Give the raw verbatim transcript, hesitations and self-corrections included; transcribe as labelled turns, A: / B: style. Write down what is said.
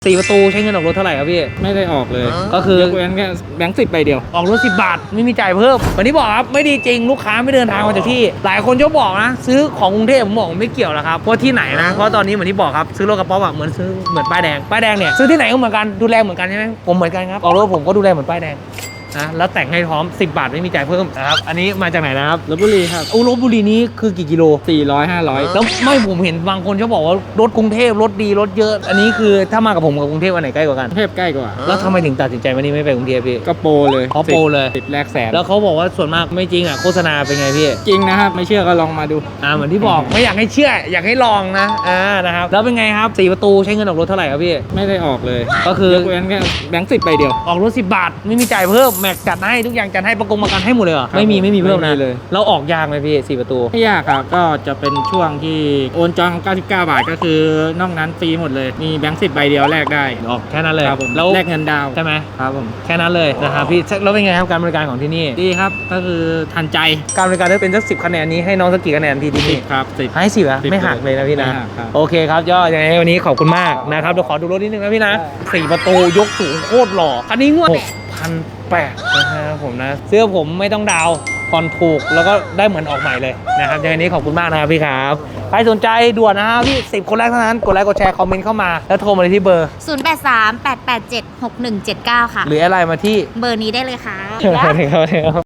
A: สี่ประตูใช้เงินออกรถเท่าไหร่ครับพี่
B: ไม่ได้ออกเลย
A: ก็คือย
B: กเว้นแค่แบงค์สิบใบเดียว
A: ออกรถสิบบาทไม่มีจ่ายเพิ่มวันนี้บอกครับไม่ดีจริงลูกค้าไม่เดินทางมาจากที่หลายคนชอบบอกนะซื้อของกรุงเทพผมบอกไม่เกี่ยวหรอกครับเพราะที่ไหนนะเพราะตอนนี้เหมือนที่บอกครับซื้อรถกระป๋อแบบเหมือนซื้อเหมือนป้ายแดงป้ายแดงเนี่ยซื้อที่ไหนก็เหมือนกันดูแลเหมือนกันใช่ไหมผมเหมือนกันครับออกรถผมก็ดูแลเหมือนป้ายแดงนะแล้วแต่งให้พร้อมสิบบาทไม่มีจ่ายเพิ่มนะครับอันนี้มาจากไหนนะครับ
B: ลพบุรีครับ
A: อุลพบุรีนี้คือกี่กิโล
B: สี่ร้อยห้าร้อย
A: แล้วไม่ผมเห็นบางคนชอบบอกว่ารถกรุงเทพรถดีรถเยอะอันนี้คือถ้ามากับผมกับกรุงเทพอันไหนใกล้กว่ากัน
B: กรุงเทพใกล้กว่า
A: แล้วทำไมถึงตัดสินใจวันนี้ไม่ไปกรุงเทพพี่
B: ก็โปรเลย
A: อ๋อโปรเลย
B: ติดแลกแสน
A: แล้วเขาบอกว่าส่วนมากไม่จริงอ่ะโฆษณาเป็นไงพี่
B: จริงนะครับไม่เชื่อก็ลองมาดู
A: อ่าเหมือนที่บอกไม่อยากให้เชื่ออยากให้ลองนะอ่านะครับแล้วเป็นไงครับสี่ประตูใช้เงินออกรถเท่าไหร่ครับพี่
B: ไม่ได้ออกเลย
A: ก็คือย
B: กเว้นแค่แบงค์สิบใบเดียว
A: ออกรถสิบบาทไม่มีจ่ายเพิ่มแม็กจัดให้ทุกอย่างจัดให้ประกงประกันให้หมดเลยเหรอ
B: ครับ
A: ไม่มีไม่มีเพิ่ม
B: ไม่
A: นะ
B: มีเลย
A: แล้วออกยากไหมพี่สี่ประตู
B: ไม่ยากครับก็จะเป็นช่วงที่โอนจองเก้าสิบเก้าบาทก็คือนอกนั้นฟรีหมดเลยมีแบงค์สิบใบเดียวแลกได้
A: ออกแค่นั้นเลย
B: ครับผม
A: แล้ว
B: แลกเงินดาว
A: ใช่ไหม
B: ครับผม
A: แค่นั้นเลยนะครับพี่แล้วเป็นไงครับการบริการของที่นี่
B: ดีครับก็คือทันใจ
A: การบริการได้เป็นสักสิบคะแนนนี้ให้น้องสักกี่คะแนนพี่ที่นี่
B: ครับสิบ
A: ให้สิบอะ
B: สิบ
A: ไม่หักเลยนะพี่นะ
B: ไม่หักครับ
A: โอเคครับยอดยังไงวันนี้ขอบคุณมากนะครับเดี๋ยวขอดูรถนิดนึงนะพี่นะสี่ประตูยกสูงโคตรหล่อคันนี้งวดหกพันแปดนะครับผมนะเสื้อผมไม่ต้องดาวผ่อนถูกแล้วก็ได้เหมือนออกใหม่เลยนะครับยังไงนี้ขอบคุณมากนะครับพี่ครับใครสนใจด่วนนะครับพี่สิบคนแรกเท่านั้นกดไลค์กดแชร์คอมเมนต์เข้ามาแล้วโทรมาเลยที่เบอร์
C: ศูนย์ แปด สาม แปด แปด เจ็ด หก หนึ่ง เจ็ด เก้า ค่ะ
A: หรืออะไรมาที่
C: เบอร์นี้ได้เลยค่ะ
A: ครับ